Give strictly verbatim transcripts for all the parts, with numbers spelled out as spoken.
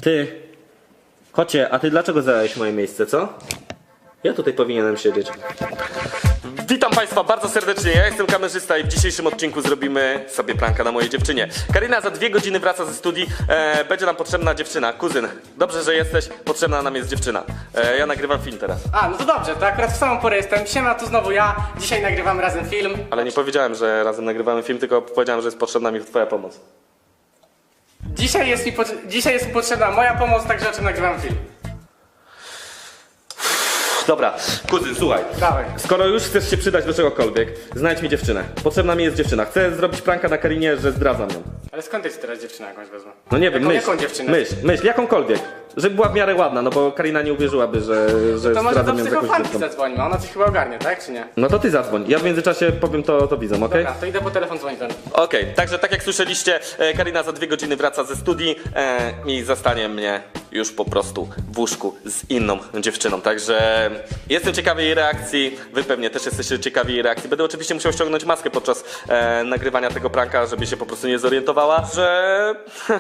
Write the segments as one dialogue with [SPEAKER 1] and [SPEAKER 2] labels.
[SPEAKER 1] Ty, kocie, a ty dlaczego zająłeś moje miejsce, co? Ja tutaj powinienem siedzieć. Witam Państwa bardzo serdecznie, ja jestem kamerzysta i w dzisiejszym odcinku zrobimy sobie pranka na mojej dziewczynie. Karina za dwie godziny wraca ze studii, e, będzie nam potrzebna dziewczyna. Kuzyn, dobrze, że jesteś, potrzebna nam jest dziewczyna. E, ja nagrywam film teraz.
[SPEAKER 2] A, no to dobrze, to akurat w samą porę jestem. Siema, tu znowu ja. Dzisiaj nagrywam razem film.
[SPEAKER 1] Ale nie powiedziałem, że razem nagrywamy film, tylko powiedziałem, że jest potrzebna mi twoja pomoc.
[SPEAKER 2] Dzisiaj jest mi, pot- dzisiaj jest mi potrzebna moja pomoc, także o czym nagrywam film.
[SPEAKER 1] Dobra, kuzyn, słuchaj.
[SPEAKER 2] Dawaj.
[SPEAKER 1] Skoro już chcesz się przydać do czegokolwiek, znajdź mi dziewczynę. Potrzebna mi jest dziewczyna. Chcę zrobić pranka na Karinie, że zdradzam ją.
[SPEAKER 2] Ale skąd jest teraz dziewczyna jakąś wezmę?
[SPEAKER 1] No nie wiem,
[SPEAKER 2] Jaką-
[SPEAKER 1] myśl,
[SPEAKER 2] jaką dziewczynę?
[SPEAKER 1] myśl, myśl, jakąkolwiek. Żeby była w miarę ładna, no bo Karina nie uwierzyłaby, że, że
[SPEAKER 2] To może do
[SPEAKER 1] zdradzam ją z jakąś
[SPEAKER 2] psychofanki
[SPEAKER 1] dziewczyną.
[SPEAKER 2] zadzwonimy, ona coś chyba ogarnie, tak czy nie?
[SPEAKER 1] No to ty zadzwoń, ja w międzyczasie powiem to, to widzom, okej?
[SPEAKER 2] Dobra, to idę po telefon dzwonić do niej.
[SPEAKER 1] Okej, także tak jak słyszeliście, e, Karina za dwie godziny wraca ze studii e, i zastanie mnie już po prostu w łóżku z inną dziewczyną. Także jestem ciekawy jej reakcji, wy pewnie też jesteście ciekawi jej reakcji. Będę oczywiście musiał ściągnąć maskę podczas e, nagrywania tego pranka, żeby się po prostu nie zorientowała, że,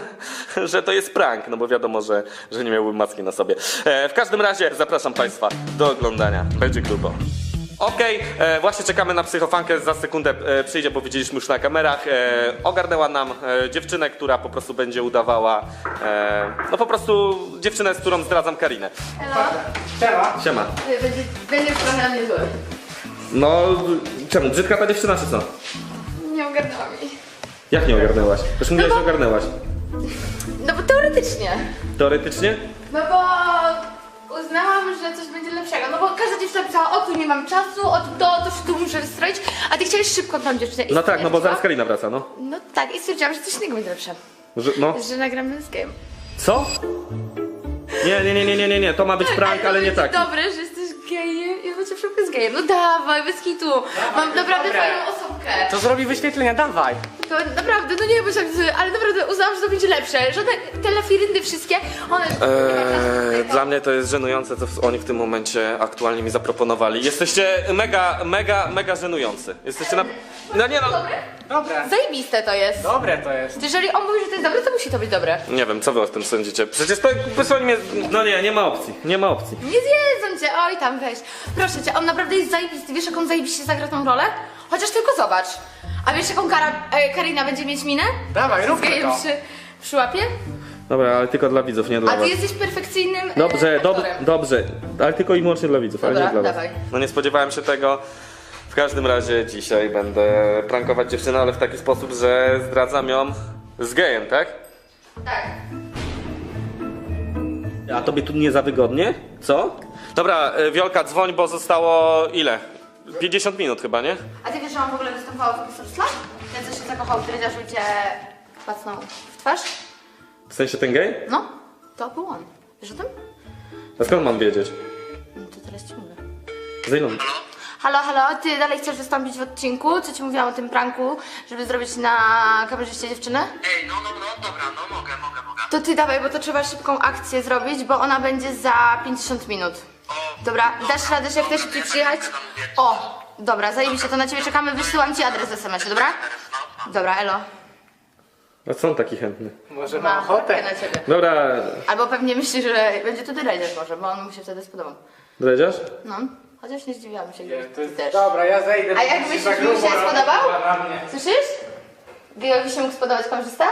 [SPEAKER 1] że to jest prank, no bo wiadomo, że, że nie miałbym maski na sobie. E, w każdym razie zapraszam Państwa do oglądania, będzie grubo. Okej, e, właśnie czekamy na psychofankę, za sekundę e, przyjdzie, bo widzieliśmy już na kamerach. E, ogarnęła nam e, dziewczynę, która po prostu będzie udawała, e, no po prostu dziewczynę, z którą zdradzam Karinę.
[SPEAKER 3] Elo?
[SPEAKER 2] Siema.
[SPEAKER 1] Siema.
[SPEAKER 3] Będzie, będziesz trochę na mnie zły.
[SPEAKER 1] No, czemu? Brzydka ta dziewczyna, czy co?
[SPEAKER 3] Nie ogarnęłam jej.
[SPEAKER 1] Jak nie ogarnęłaś? Już mówiłaś,
[SPEAKER 3] No
[SPEAKER 1] że
[SPEAKER 3] bo-
[SPEAKER 1] ogarnęłaś.
[SPEAKER 3] No bo teoretycznie.
[SPEAKER 1] Teoretycznie?
[SPEAKER 3] No bo uznałam, że coś będzie lepszego. No bo każda dziewczyna pisała, o tu nie mam czasu, o to, to się tu muszę wystroić, a ty chciałeś szybko tą dziewczynę. I
[SPEAKER 1] No tak, no bo
[SPEAKER 3] stwierdziłam-
[SPEAKER 1] zaraz Karina wraca, no.
[SPEAKER 3] No tak, i stwierdziłam, że coś innego będzie lepsze.
[SPEAKER 1] Że, no.
[SPEAKER 3] Że nagramy z game.
[SPEAKER 1] Co? Nie, nie, nie, nie, nie, nie, nie, to ma być prank, ale nie taki.
[SPEAKER 3] Dobre, że jesteś gejem i będzie szybko z gejem. No dawaj, bez kitu. Mam naprawdę
[SPEAKER 2] Dobra.
[SPEAKER 3] fajną osobkę.
[SPEAKER 2] To zrobi wyświetlenia, dawaj.
[SPEAKER 3] To naprawdę, no nie myślałam, że- ale naprawdę uznałam, że to będzie lepsze. Żadne te lafiryndy wszystkie, one...
[SPEAKER 1] Eee, dla mnie to jest żenujące, co oni w tym momencie aktualnie mi zaproponowali. Jesteście mega, mega, mega żenujący. Jesteście na... No nie no...
[SPEAKER 2] Dobre.
[SPEAKER 3] Zajebiste to jest.
[SPEAKER 2] Dobre to jest.
[SPEAKER 3] Jeżeli on mówi, że to jest dobre, to musi to być dobre.
[SPEAKER 1] Nie wiem, co wy o tym sądzicie? Przecież to wysłali mnie... No nie, nie ma opcji, nie ma opcji.
[SPEAKER 3] Nie zjedzą cię, oj tam weź. Proszę cię, on naprawdę jest zajebisty. Wiesz, jak on zajebiście zagra tą rolę? Chociaż tylko zobacz. A wiesz, jaką Kara, e, Karina będzie mieć minę?
[SPEAKER 2] Dawaj,
[SPEAKER 3] Z
[SPEAKER 2] róbmy
[SPEAKER 3] gejem
[SPEAKER 2] to.
[SPEAKER 3] przy, przy łapie?
[SPEAKER 1] Dobra, ale tylko dla widzów, nie dla
[SPEAKER 3] A ty
[SPEAKER 1] was.
[SPEAKER 3] jesteś perfekcyjnym e,
[SPEAKER 1] Dobrze, dob
[SPEAKER 3] aktorem.
[SPEAKER 1] dobrze, ale tylko i wyłącznie dla widzów, ale nie
[SPEAKER 3] Dobra,
[SPEAKER 1] dla was.
[SPEAKER 3] dawaj.
[SPEAKER 1] No nie spodziewałem się tego. W każdym razie dzisiaj będę prankować dziewczynę, ale w taki sposób, że zdradzam ją z gejem, tak?
[SPEAKER 3] Tak.
[SPEAKER 1] A tobie tu nie za wygodnie? Co? Dobra, y, Wiolka, dzwoń, bo zostało ile? pięćdziesiąt minut chyba, nie?
[SPEAKER 3] A ty wiesz, że on w ogóle występował w Pisarstwa? Ten, co się zakochał w drydziarzu i cię pacnął w twarz?
[SPEAKER 1] W sensie ten gej?
[SPEAKER 3] No, to był on. Wiesz o tym?
[SPEAKER 1] A skąd mam wiedzieć?
[SPEAKER 3] No to teraz ci mówię.
[SPEAKER 1] Za ilą?
[SPEAKER 3] Halo, halo, ty dalej chcesz wystąpić w odcinku? Co ci mówiłam o tym pranku, żeby zrobić na kamerzyście dziewczynę?
[SPEAKER 4] Ej, no, no, no, dobra, no mogę, mogę, mogę.
[SPEAKER 3] To ty dawaj, bo to trzeba szybką akcję zrobić, bo ona będzie za pięćdziesiąt minut. Dobra, dasz radę, że jak chcesz szybciej przyjechać? O, dobra, zajebiście, to na ciebie czekamy, wysyłam ci adres w es em esie, dobra? Dobra, elo.
[SPEAKER 1] A co on taki chętny?
[SPEAKER 2] Może
[SPEAKER 3] Ma
[SPEAKER 2] ma ochotę.
[SPEAKER 3] na ciebie.
[SPEAKER 1] Dobra,
[SPEAKER 3] Albo pewnie myśli, że będzie to dredziarz może, bo on mu się wtedy spodobał.
[SPEAKER 1] dredziarz?
[SPEAKER 3] No, chociaż nie zdziwiłam się,
[SPEAKER 2] Nie,
[SPEAKER 3] gdyby
[SPEAKER 2] to
[SPEAKER 3] ty
[SPEAKER 2] jest...
[SPEAKER 3] też.
[SPEAKER 2] Dobra, ja zejdę.
[SPEAKER 3] A
[SPEAKER 2] bo
[SPEAKER 3] jak
[SPEAKER 2] mi
[SPEAKER 3] myślisz,
[SPEAKER 2] za
[SPEAKER 3] że mi
[SPEAKER 2] grubo
[SPEAKER 3] się
[SPEAKER 2] robi
[SPEAKER 3] spodobał?
[SPEAKER 2] dla mnie.
[SPEAKER 3] Słyszysz? Gejowi się mógł spodobać kamerzysta?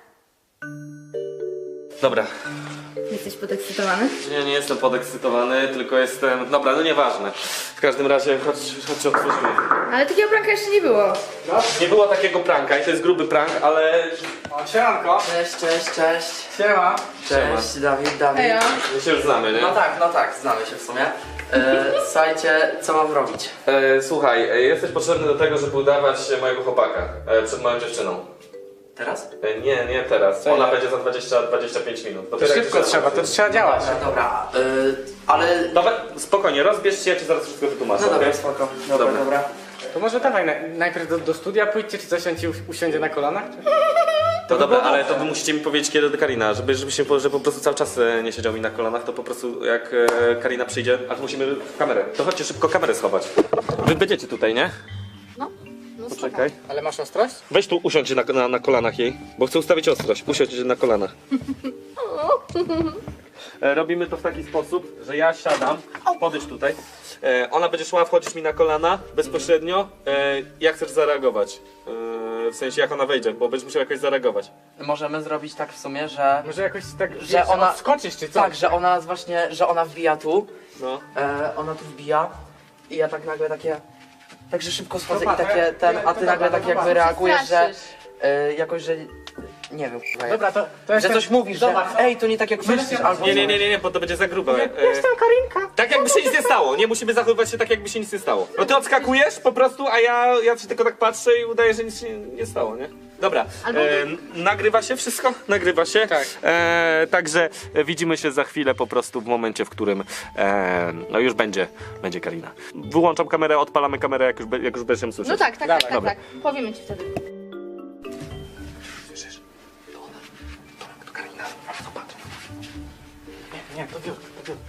[SPEAKER 1] Dobra.
[SPEAKER 3] Jesteś podekscytowany?
[SPEAKER 1] Nie, nie jestem podekscytowany, tylko jestem... Dobra, no nieważne. W każdym razie, chodź, chodź otworzymy.
[SPEAKER 3] Ale takiego pranka jeszcze nie było.
[SPEAKER 2] No.
[SPEAKER 1] Nie było takiego pranka i to jest gruby prank, ale...
[SPEAKER 2] O, siemanko.
[SPEAKER 5] Cześć, cześć, cześć.
[SPEAKER 2] Siema.
[SPEAKER 5] Cześć, Dawid, Dawid.
[SPEAKER 3] Ejo.
[SPEAKER 1] My się już znamy, nie?
[SPEAKER 5] No tak, no tak, znamy się w sumie. E, słuchajcie, co mam robić?
[SPEAKER 1] E, słuchaj, e, jesteś potrzebny do tego, żeby udawać mojego chłopaka e, przed moją dziewczyną.
[SPEAKER 5] Teraz?
[SPEAKER 1] E, nie, nie teraz.
[SPEAKER 2] Co
[SPEAKER 1] Ona
[SPEAKER 2] ja?
[SPEAKER 1] będzie za dwadzieścia do dwudziestu pięciu minut.
[SPEAKER 2] To
[SPEAKER 1] Dopiero jak
[SPEAKER 2] szybko
[SPEAKER 1] się
[SPEAKER 2] trzeba, to
[SPEAKER 1] zobaczy.
[SPEAKER 2] trzeba działać.
[SPEAKER 5] Dobra, dobra. E, ale...
[SPEAKER 1] Dobra, spokojnie, rozbierz się, ja ci zaraz wszystko wytłumaczę.
[SPEAKER 5] No dobra,
[SPEAKER 1] okej?
[SPEAKER 5] spoko. Dobra,
[SPEAKER 1] Dobra.
[SPEAKER 5] dobra.
[SPEAKER 2] To może dawaj, na, najpierw do, do studia pójdźcie, czy coś on ci u- usiądzie na kolanach? Czy...
[SPEAKER 1] To
[SPEAKER 2] by
[SPEAKER 1] dobra,
[SPEAKER 2] było
[SPEAKER 1] ale
[SPEAKER 2] dobrze.
[SPEAKER 1] to wy musicie mi powiedzieć kiedy do Karina, żeby, żeby się że po prostu cały czas e, nie siedział mi na kolanach, to po prostu jak e, Karina przyjdzie, a to musimy w kamerę. To chodźcie szybko kamerę schować. Wy będziecie tutaj, nie?
[SPEAKER 3] No, no
[SPEAKER 1] Poczekaj.
[SPEAKER 2] Ale masz ostrość?
[SPEAKER 1] Weź tu usiądź na, na, na kolanach jej, bo chcę ustawić ostrość. Usiądź na kolanach. E, Robimy to w taki sposób, że ja siadam, podejdź tutaj. E, ona będzie szła, wchodzić mi na kolana bezpośrednio. E, jak chcesz zareagować? E, w sensie jak ona wejdzie, bo będziesz musiał jakoś zareagować.
[SPEAKER 5] Możemy zrobić tak w sumie, że...
[SPEAKER 2] Może jakoś tak,
[SPEAKER 5] Że
[SPEAKER 2] wiesz,
[SPEAKER 5] ona-
[SPEAKER 2] odskoczysz czy co?
[SPEAKER 5] Tak, że ona właśnie, że ona wbija tu,
[SPEAKER 1] No.
[SPEAKER 5] e, ona tu wbija i ja tak nagle takie... Także szybko schodzę
[SPEAKER 2] Dobra,
[SPEAKER 5] i
[SPEAKER 2] to ja-
[SPEAKER 5] takie ten, a
[SPEAKER 2] to
[SPEAKER 5] ty nagle
[SPEAKER 2] dobra,
[SPEAKER 5] tak
[SPEAKER 2] no
[SPEAKER 5] jakby
[SPEAKER 2] dobra.
[SPEAKER 5] reagujesz, że...
[SPEAKER 3] Straszysz.
[SPEAKER 5] E, jakoś, że... Nie wiem, kurwa, jak-
[SPEAKER 2] Dobra, to, to
[SPEAKER 5] że
[SPEAKER 2] jestem...
[SPEAKER 5] coś mówisz, że
[SPEAKER 2] Zobacz, no.
[SPEAKER 5] ej, to nie tak jak myślisz, albo...
[SPEAKER 1] Nie, nie, nie, nie, nie, bo to będzie za grube. E,
[SPEAKER 2] Jestem Karinka.
[SPEAKER 1] tak jakby się nic nie stało, nie musimy zachowywać się tak jakby się nic nie stało. No ty odskakujesz po prostu, a ja, ja ci tylko tak patrzę i udaję, że nic się nie stało, nie? Dobra,
[SPEAKER 3] Albo
[SPEAKER 1] e, n- nagrywa się wszystko? Nagrywa się.
[SPEAKER 2] Tak.
[SPEAKER 1] E, także widzimy się za chwilę po prostu w momencie, w którym e, no już będzie, będzie Karina. Wyłączam kamerę, odpalamy kamerę, jak już, be- jak już będziesz ją słyszeć.
[SPEAKER 3] No tak, tak,
[SPEAKER 2] Dawaj.
[SPEAKER 3] tak, tak,
[SPEAKER 1] Dobra.
[SPEAKER 3] tak. Powiemy ci wtedy.
[SPEAKER 1] Słyszysz? To ona, to, to Karina, zobacz.
[SPEAKER 2] Nie, to wiór, to wiór.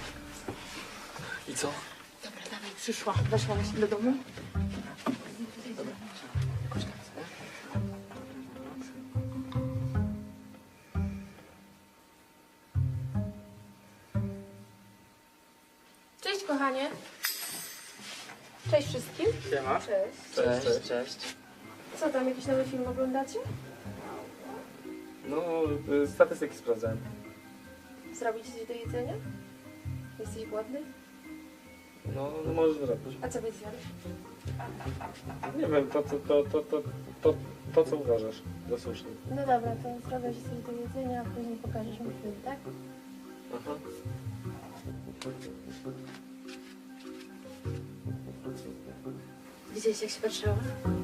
[SPEAKER 1] I co?
[SPEAKER 3] Dobra, dawaj, przyszła. Weszła właśnie do domu.
[SPEAKER 6] Cześć kochanie. Cześć wszystkim.
[SPEAKER 2] Siema.
[SPEAKER 6] Cześć.
[SPEAKER 5] Cześć, cześć.
[SPEAKER 6] Co tam, jakiś nowy film oglądacie?
[SPEAKER 1] No, y, statystyki sprawdzałem.
[SPEAKER 6] Zrobić coś do jedzenia? Jesteś głodny?
[SPEAKER 1] No, no możesz zrobić.
[SPEAKER 6] A co byś zjadł?
[SPEAKER 1] Nie wiem, to, to, to, to, to, to, to co uważasz za słuszne.
[SPEAKER 6] No dobra, to zrobię ci coś do jedzenia, a później pokażesz mi film, tak?
[SPEAKER 1] Aha.
[SPEAKER 6] Widziałeś jak się patrzyła?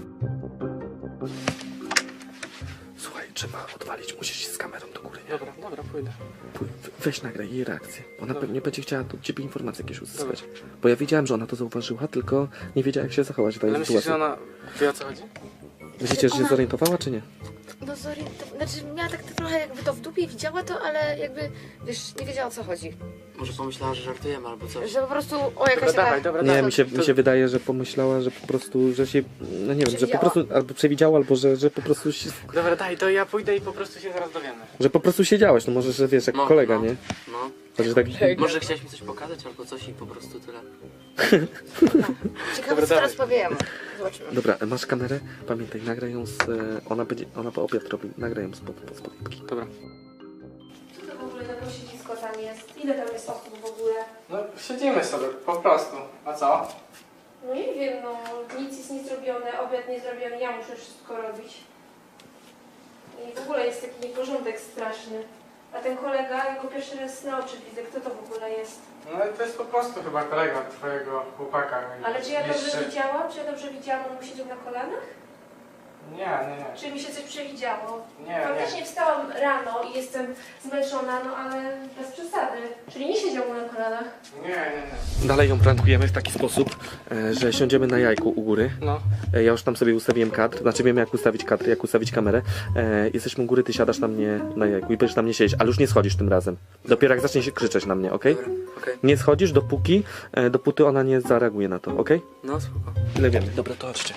[SPEAKER 1] Słuchaj, trzeba odwalić, musisz iść z kamerą do góry.
[SPEAKER 2] Dobra, dobra, pójdę.
[SPEAKER 7] Pój- Weź nagraj jej reakcję. Ona pewnie będzie chciała od ciebie informacje jakieś uzyskać. Bo ja wiedziałem, że ona to zauważyła, tylko nie wiedziała jak się zachować w
[SPEAKER 2] Ale
[SPEAKER 7] tej
[SPEAKER 2] myślisz, że
[SPEAKER 7] sytuacji.
[SPEAKER 2] ona wie o co chodzi?
[SPEAKER 7] Myślicie, że się
[SPEAKER 3] Ona-
[SPEAKER 7] zorientowała, czy nie?
[SPEAKER 3] No zorientow... Znaczy miała tak trochę jakby to w dupie i widziała to, ale jakby, wiesz, nie wiedziała o co chodzi.
[SPEAKER 5] Może pomyślała, że żartujemy albo coś.
[SPEAKER 3] Że po prostu, o
[SPEAKER 2] Dobra,
[SPEAKER 3] jakaś
[SPEAKER 2] dawaj,
[SPEAKER 3] taka...
[SPEAKER 2] dobra,
[SPEAKER 7] Nie,
[SPEAKER 2] dawaj.
[SPEAKER 7] mi się, mi się wydaje, że pomyślała, że po prostu, że się, no nie wiem, że po
[SPEAKER 3] Przewidziała.
[SPEAKER 7] prostu, albo przewidziała, albo że, że po prostu, się,
[SPEAKER 2] Dobra, daj, to ja pójdę i po prostu się zaraz dowiemy.
[SPEAKER 7] że po prostu siedziałeś, no może, że wiesz, jak
[SPEAKER 5] No,
[SPEAKER 7] kolega,
[SPEAKER 5] no.
[SPEAKER 7] nie?
[SPEAKER 5] No.
[SPEAKER 7] Znaczy, tak,
[SPEAKER 5] Może chciałeś mi coś pokazać albo coś i po prostu tyle.
[SPEAKER 3] Ciekawe,
[SPEAKER 2] Dobra,
[SPEAKER 3] co teraz
[SPEAKER 2] dawaj.
[SPEAKER 3] powiemy. Zobaczymy.
[SPEAKER 7] dobra, masz kamerę? Pamiętaj, nagraj ją z, e, ona będzie, ona po obiad robi, nagraj ją spod, pod spodniki.
[SPEAKER 2] Dobra.
[SPEAKER 6] Co to w ogóle za posiedzisko tam jest? Ile tam jest osób w ogóle?
[SPEAKER 2] No, siedzimy sobie, po prostu. A co?
[SPEAKER 6] No nie wiem, no nic jest niezrobione, obiad niezrobiony, ja muszę wszystko robić. I w ogóle jest taki nieporządek straszny. A ten kolega, ja go pierwszy raz na oczy widzę, kto to w ogóle jest?
[SPEAKER 2] No to jest po prostu chyba kolega twojego chłopaka.
[SPEAKER 6] Ale czy ja dobrze
[SPEAKER 2] Jeszcze-
[SPEAKER 6] widziałam? Czy ja dobrze widziałam, on mu siedział na kolanach?
[SPEAKER 2] Nie, nie, nie.
[SPEAKER 6] Czy mi się coś przewidziało?
[SPEAKER 2] Nie,
[SPEAKER 6] Faktycznie wstałam rano i jestem zmęczona, no ale bez przesady. Czyli nie siedział mu na kolanach.
[SPEAKER 2] Nie, nie, nie.
[SPEAKER 7] Dalej ją prankujemy w taki sposób, e, że siądziemy na jajku u góry.
[SPEAKER 2] No.
[SPEAKER 7] E, Ja już tam sobie ustawiłem kadr, znaczy wiem jak ustawić kadr, jak ustawić kamerę. E, jesteśmy u góry, ty siadasz na mnie na jajku i będziesz na mnie siedzieć, ale już nie schodzisz tym razem. Dopiero jak zacznie się krzyczeć na mnie, okej?
[SPEAKER 5] Dobra, okej.
[SPEAKER 7] Nie schodzisz dopóki, e, dopóty ona nie zareaguje na to, okej?
[SPEAKER 5] No spoko.
[SPEAKER 7] Tyle wiemy.
[SPEAKER 1] Dobra, to chodźcie.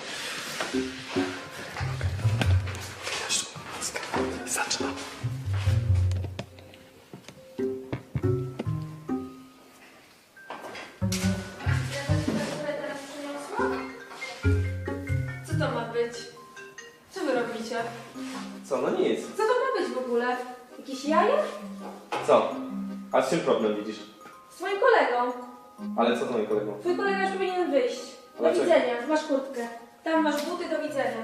[SPEAKER 1] Zaczynam.
[SPEAKER 6] Co to ma być? Co wy robicie?
[SPEAKER 1] Co, no nic.
[SPEAKER 6] Co to ma być w ogóle? Jakieś jaja?
[SPEAKER 1] Co? A z czym problem widzisz?
[SPEAKER 6] Z moim kolegą.
[SPEAKER 1] Ale co z moim kolegą?
[SPEAKER 6] Twój kolega już powinien wyjść. Do
[SPEAKER 1] Dlaczego?
[SPEAKER 6] widzenia, masz kurtkę. Tam masz buty, do widzenia.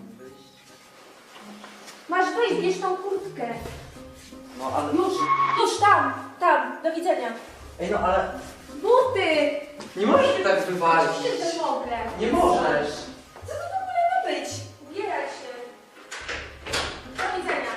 [SPEAKER 6] Masz wyjść, bierz tą kurtkę.
[SPEAKER 5] No ale...
[SPEAKER 6] Już, już tam, tam, do widzenia.
[SPEAKER 5] Ej no ale...
[SPEAKER 6] Buty!
[SPEAKER 5] Nie możesz mnie tak wywalić.
[SPEAKER 6] Oczywiście, że mogę.
[SPEAKER 5] Nie możesz.
[SPEAKER 6] Co to w ogóle ma być? Ubieraj się. Do widzenia.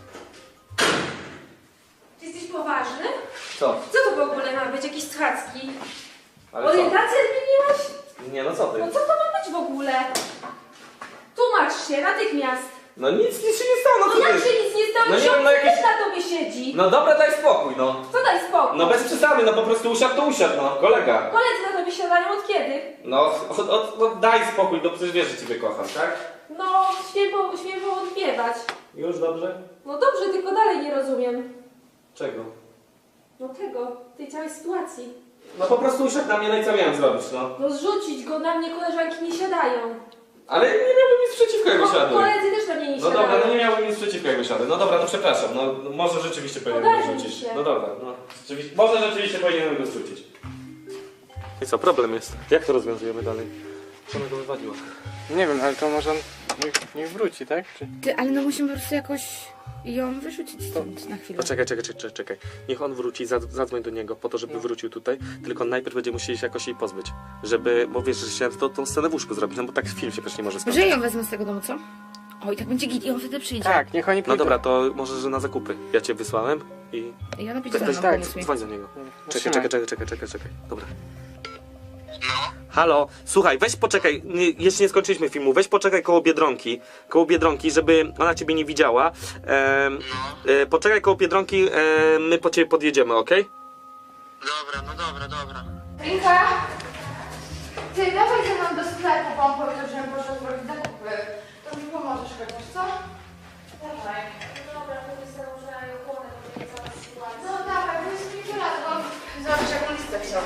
[SPEAKER 6] Czy jesteś poważny?
[SPEAKER 1] Co?
[SPEAKER 6] Co to w ogóle ma być? Jakieś schadzki?
[SPEAKER 1] Ale co?
[SPEAKER 6] Orientację zmieniłaś?
[SPEAKER 1] Nie, no co ty?
[SPEAKER 6] No co to ma być w ogóle? Tłumacz się natychmiast.
[SPEAKER 1] No nic, nic się nie stało, no
[SPEAKER 6] No
[SPEAKER 1] co
[SPEAKER 6] jak
[SPEAKER 1] ty?
[SPEAKER 6] się nic nie stało,
[SPEAKER 1] No nie
[SPEAKER 6] że
[SPEAKER 1] wiem, no
[SPEAKER 6] on
[SPEAKER 1] jakieś-
[SPEAKER 6] też na tobie siedzi.
[SPEAKER 1] No dobra, daj spokój, no.
[SPEAKER 6] Co daj spokój?
[SPEAKER 1] No bez przesady, no po prostu usiadł to usiadł, no. Kolega.
[SPEAKER 6] Koledzy na tobie siadają od kiedy?
[SPEAKER 1] No, od, od, no daj spokój, no przecież wiesz, że ciebie kocham, tak?
[SPEAKER 6] No, śmiem, po, śmiem poodbiewać.
[SPEAKER 1] Już dobrze?
[SPEAKER 6] No dobrze, tylko dalej nie rozumiem.
[SPEAKER 1] Czego?
[SPEAKER 6] No tego, tej całej sytuacji.
[SPEAKER 1] No po prostu usiadł na mnie, no i co miałem zrobić, no?
[SPEAKER 6] No zrzucić go, na mnie koleżanki nie siadają.
[SPEAKER 1] Ale nie miałbym nic przeciwko, jak
[SPEAKER 6] Ko-
[SPEAKER 1] wysiadły.
[SPEAKER 6] koledzy też na mnie nie
[SPEAKER 1] No
[SPEAKER 6] siadają.
[SPEAKER 1] dobra, no nie miałbym nic przeciwko, jak wysiadły. No dobra, no przepraszam, no może rzeczywiście powinienem go
[SPEAKER 6] Ogarnij
[SPEAKER 1] zrzucić.
[SPEAKER 6] się.
[SPEAKER 1] No dobra, no rzeczywiście, może rzeczywiście powinienem go zrzucić. I co, problem jest? Jak to rozwiązujemy dalej? Co ona go wywaliła?
[SPEAKER 2] Nie wiem, ale to może on niech, niech wróci, tak? Czy...
[SPEAKER 3] Ty, ale no musimy po prostu jakoś ją wyrzucić stąd na chwilę.
[SPEAKER 7] Poczekaj, czekaj, czekaj, czekaj. Niech on wróci, zad- zadzwoń do niego po to, żeby wrócił tutaj, tylko najpierw będziemy musieli się jakoś jej pozbyć. Żeby, bo wiesz, że chciałem to, tą scenę w łóżku zrobić, no bo tak film się przecież nie może skończyć.
[SPEAKER 3] Może ją wezmę z tego domu, co? O, i tak będzie git i on wtedy przyjdzie.
[SPEAKER 2] Tak, niech oni pójdą.
[SPEAKER 7] No dobra, to może, że na zakupy. Ja cię wysłałem i...
[SPEAKER 3] I ona
[SPEAKER 7] Weź,
[SPEAKER 3] pójdzie
[SPEAKER 7] weź,
[SPEAKER 3] za
[SPEAKER 7] tak,
[SPEAKER 3] mną, pomóc mi.
[SPEAKER 7] dzwoń do niego. Czekaj,
[SPEAKER 2] trzymaj.
[SPEAKER 7] czekaj, czekaj, czekaj, czekaj, czekaj. Dobra.
[SPEAKER 4] No,
[SPEAKER 7] Halo, słuchaj, weź poczekaj, nie, jeszcze nie skończyliśmy filmu, weź poczekaj koło Biedronki, koło Biedronki, żeby ona ciebie nie widziała. Em, e, poczekaj koło Biedronki, e, my po ciebie podjedziemy, okej?
[SPEAKER 4] dobra, no dobra, dobra.
[SPEAKER 3] Rinka! Ty, dawaj ze mną do sklepu, bo on powiedział, że bym poszła zrobić zakupy. To mi pomożesz chociaż, co? Dawaj.
[SPEAKER 6] Dobra, to jest założenie ochłonę, to jest cała sytuacja.
[SPEAKER 3] No dawaj, bo jest mi lat, bo zobacz jaką listę wziął.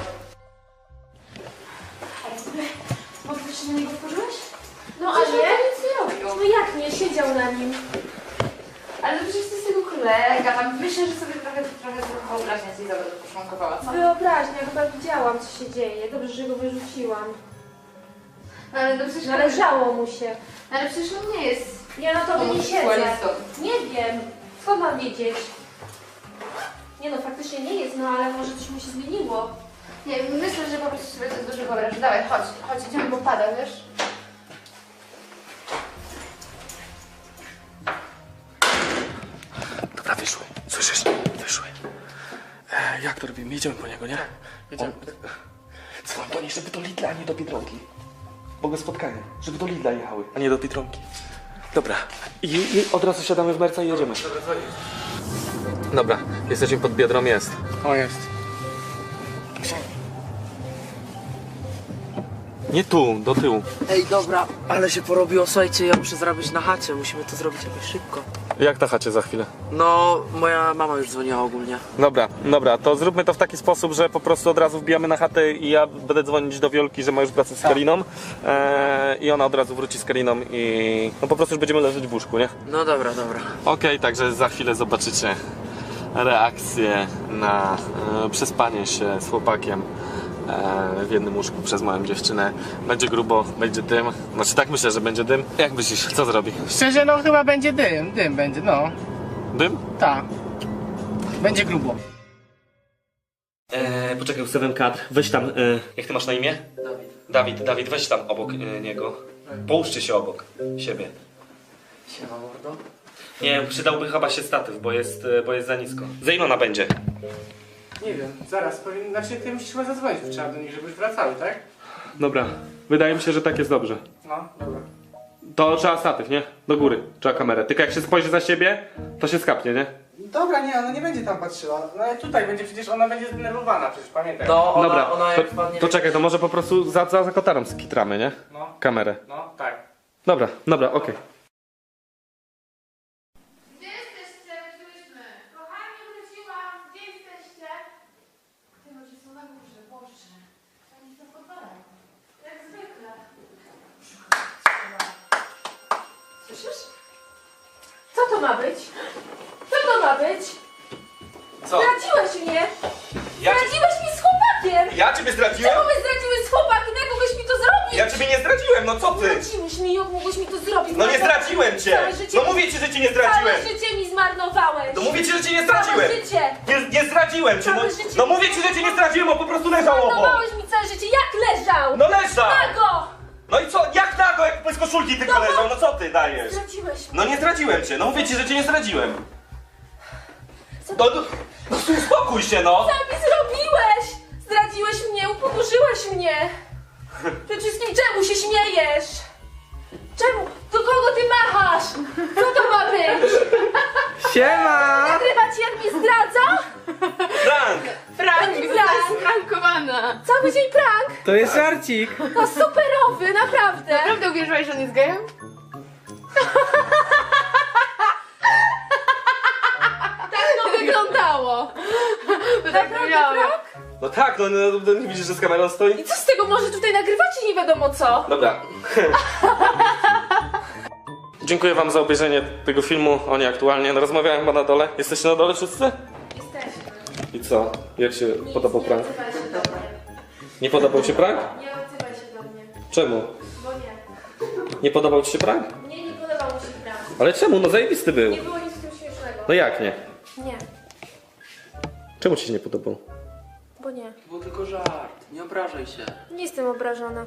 [SPEAKER 3] Mocno się na niego wkurzyłeś?
[SPEAKER 6] No
[SPEAKER 3] Ale
[SPEAKER 6] ale...
[SPEAKER 3] ja nic nie robił.
[SPEAKER 6] No jak nie, siedział na nim.
[SPEAKER 3] Ale to przecież to jest jego kolega, tam myślę, że sobie trochę, trochę wyobraźnia ci za bardzo poszmankowała, co?
[SPEAKER 6] Wyobraźnia, chyba widziałam, co się dzieje. Dobrze, że go wyrzuciłam.
[SPEAKER 3] No ale to przecież...
[SPEAKER 6] Należało mu się.
[SPEAKER 3] No ale przecież on nie jest...
[SPEAKER 6] Ja na tobie nie siedzę.
[SPEAKER 3] homoseksualistą.
[SPEAKER 6] Nie wiem. Skąd mam wiedzieć? Nie no, faktycznie nie jest, no ale może coś mu się zmieniło.
[SPEAKER 3] Nie, myślę, że po prostu sobie coś dużo wyobrażasz. Dawaj, chodź, chodź, idziemy, bo pada, wiesz?
[SPEAKER 7] Dobra, wyszły, słyszysz? Wyszły. E, jak to robimy? Jedziemy po niego, nie?
[SPEAKER 2] Jedziemy.
[SPEAKER 7] Dzwoń do niej, żeby do Lidla, a nie do Biedronki. Bo go spotkanie, żeby do Lidla jechały, a nie do Biedronki. Dobra. I, I od razu siadamy w merca i jedziemy. Dobra, jesteśmy pod Biedrą, jest.
[SPEAKER 2] O, jest.
[SPEAKER 7] Nie tu, do tyłu.
[SPEAKER 5] Ej, dobra, ale się porobiło, słuchajcie, ja muszę zrobić na chacie, musimy to zrobić jakoś szybko.
[SPEAKER 7] Jak na chacie za chwilę?
[SPEAKER 5] No, moja mama już dzwoniła ogólnie.
[SPEAKER 7] Dobra, dobra, to zróbmy to w taki sposób, że po prostu od razu wbijamy na chatę i ja będę dzwonić do Wiolki, że ma już wracać z Kariną e, i ona od razu wróci z Kariną i no po prostu już będziemy leżeć w łóżku, nie?
[SPEAKER 5] No dobra, dobra.
[SPEAKER 7] Okej, także za chwilę zobaczycie reakcję na e, przespanie się z chłopakiem e, w jednym łóżku przez małą dziewczynę. Będzie grubo, będzie dym, znaczy tak myślę, że będzie dym. Jak myślisz, co zrobi?
[SPEAKER 2] Szczerze, no chyba będzie dym, dym będzie, no.
[SPEAKER 7] Dym?
[SPEAKER 2] Tak. Będzie grubo.
[SPEAKER 7] E, poczekaj, ustawiam kadr. Weź tam, e, jak ty masz na imię?
[SPEAKER 5] Dawid.
[SPEAKER 7] Dawid, Dawid, weź tam obok e, niego. Połóżcie się obok siebie.
[SPEAKER 5] Siema, mordo.
[SPEAKER 7] Nie, przydałby chyba się statyw, bo jest, e, bo jest za nisko. Za ile ona będzie?
[SPEAKER 2] Nie wiem, zaraz powiem, znaczy ty musisz chyba zadzwonić, trzeba do nich, żeby już wracały, tak?
[SPEAKER 7] Dobra, wydaje mi się, że tak jest dobrze.
[SPEAKER 2] No, dobra.
[SPEAKER 7] To trzeba statyw, nie? Do góry, trzeba kamerę. Tylko jak się spojrzy za siebie, to się skapnie, nie?
[SPEAKER 2] Dobra, nie, ona nie będzie tam patrzyła. No ale tutaj będzie, przecież ona będzie zdenerwowana, przecież pamiętaj.
[SPEAKER 5] No, ona,
[SPEAKER 7] Dobra,
[SPEAKER 5] ona jak
[SPEAKER 7] to,
[SPEAKER 5] wpadnie...
[SPEAKER 7] to czekaj, to może po prostu za, za, za kotarem skitramy, nie?
[SPEAKER 2] No,
[SPEAKER 7] Kamerę.
[SPEAKER 2] no, tak.
[SPEAKER 7] Dobra, dobra, okej.
[SPEAKER 3] Gdzie jesteście? Wróciłyśmy. Kochani, wróciłam. Gdzie jesteście? Ty, może są na górze, Boże. Oni są podwalają. Jak zwykle.
[SPEAKER 6] Słyszysz? Co to ma być? Co to ma być?
[SPEAKER 7] Co?
[SPEAKER 6] Zdradziłeś mnie!
[SPEAKER 7] Ja,
[SPEAKER 6] Zdradziłeś mi z chłopakiem!
[SPEAKER 7] ja ciebie zdradziłem?
[SPEAKER 6] Czemu my zdradziłeś z chłopakiem? Jak mogłeś mi to zrobić?
[SPEAKER 7] Ja ciebie nie zdradziłem, no co ty?
[SPEAKER 6] Zdradziłeś mi, jak mogłeś mi to zrobić?
[SPEAKER 7] No nie
[SPEAKER 6] Całe-
[SPEAKER 7] zdradziłem cię!
[SPEAKER 6] Całe życie,
[SPEAKER 7] No mówię ci, że cię nie zdradziłem!
[SPEAKER 6] Całe życie mi zmarnowałeś!
[SPEAKER 7] No mówię ci, że cię nie zdradziłem!
[SPEAKER 6] Całe życie!
[SPEAKER 7] Nie, nie zdradziłem cię, no,
[SPEAKER 6] Całe życie-
[SPEAKER 7] no mówię ci, że cię nie zdradziłem, on po prostu leżał obok!
[SPEAKER 6] Zmarnowałeś mi całe życie! Jak leżał?
[SPEAKER 7] No leżał!
[SPEAKER 6] Nago!
[SPEAKER 7] No i co, jak nago, jak bez koszulki tylko
[SPEAKER 6] No,
[SPEAKER 7] leżał, no co ty dajesz?
[SPEAKER 6] Zdradziłeś mnie!
[SPEAKER 7] No nie zdradziłem cię, no mówię ci, że cię nie zdradziłem.
[SPEAKER 6] Co
[SPEAKER 7] No, no, no uspokój się, no!
[SPEAKER 6] Co mi zrobiłeś? Zdradziłeś mnie, upokorzyłeś mnie! Przede wszystkim czemu się śmiejesz? Czemu? Do kogo ty machasz? Co to ma być?
[SPEAKER 2] Siema!
[SPEAKER 6] Nagrywać jak mnie zdradza?
[SPEAKER 7] Frank!
[SPEAKER 6] Jaki prank?
[SPEAKER 3] Prankowana.
[SPEAKER 6] Cały dzień prank?
[SPEAKER 2] To jest żarcik!
[SPEAKER 6] No superowy, naprawdę!
[SPEAKER 3] Naprawdę uwierzyłaś, że on jest gejem?
[SPEAKER 6] Tak to wygląda! stało?
[SPEAKER 3] Tak miałam.
[SPEAKER 1] No tak, no, no, no nie widzisz, że z kamerą stoi?
[SPEAKER 6] I co z tego, może tutaj nagrywacie nie wiadomo co?
[SPEAKER 1] Dobra. Dziękuję wam za obejrzenie tego filmu. Oni aktualnie, no rozmawiałem chyba na dole. Jesteście na dole wszyscy?
[SPEAKER 6] Jesteśmy.
[SPEAKER 1] I co? Jak się podobał
[SPEAKER 6] Nie
[SPEAKER 1] prank?
[SPEAKER 6] odzywaj się do mnie.
[SPEAKER 1] Nie podobał ci prank?
[SPEAKER 6] Nie odzywaj się do mnie.
[SPEAKER 1] Czemu?
[SPEAKER 6] Bo nie.
[SPEAKER 1] Nie podobał ci się prank?
[SPEAKER 6] Mnie nie podobał mi się prank.
[SPEAKER 1] Ale czemu? No zajebisty był.
[SPEAKER 6] Nie było nic w tym śmiesznego.
[SPEAKER 1] No jak nie?
[SPEAKER 6] Nie.
[SPEAKER 1] Czemu ci się nie podobał?
[SPEAKER 6] Bo nie.
[SPEAKER 5] To był tylko żart, nie obrażaj się.
[SPEAKER 6] Nie jestem obrażona.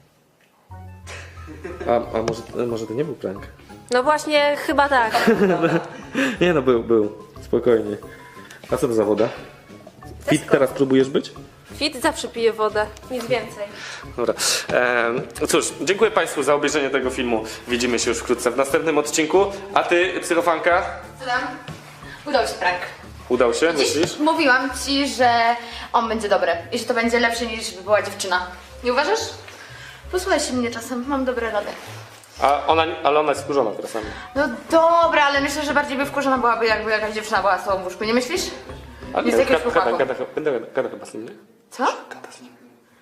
[SPEAKER 1] A, a może, może to nie był prank?
[SPEAKER 6] No właśnie, chyba tak.
[SPEAKER 1] Nie no, był, był. Spokojnie. A co to za woda? Fit teraz próbujesz być?
[SPEAKER 6] Fit zawsze pije wodę. Nic więcej.
[SPEAKER 1] Dobra. Ehm, cóż, dziękuję Państwu za obejrzenie tego filmu. Widzimy się już wkrótce w następnym odcinku. A ty, psychofanka?
[SPEAKER 3] Co tam? Udał się prank.
[SPEAKER 1] Udał się,
[SPEAKER 3] Dziś
[SPEAKER 1] myślisz?
[SPEAKER 3] mówiłam ci, że on będzie dobry i że to będzie lepsze niż by była dziewczyna. Nie uważasz? Posłuchaj się mnie czasem, mam dobre rady.
[SPEAKER 1] A ona, ale ona jest wkurzona teraz.
[SPEAKER 3] No dobra, ale myślę, że bardziej by wkurzona byłaby, jakby jakaś dziewczyna była z tobą w łóżku, nie myślisz?
[SPEAKER 1] Ale
[SPEAKER 3] Nie z jakiegoś
[SPEAKER 1] gada,
[SPEAKER 3] chłopaku.
[SPEAKER 1] gada, gada, gada, gada chyba z nim, nie?
[SPEAKER 3] Co?
[SPEAKER 1] Gada z nim.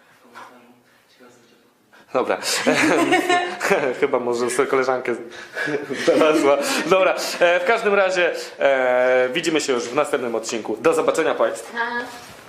[SPEAKER 1] Dobra. Chyba może sobie koleżankę znalazła. Dobra, e, w każdym razie e, widzimy się już w następnym odcinku. Do zobaczenia Państwu.
[SPEAKER 3] A.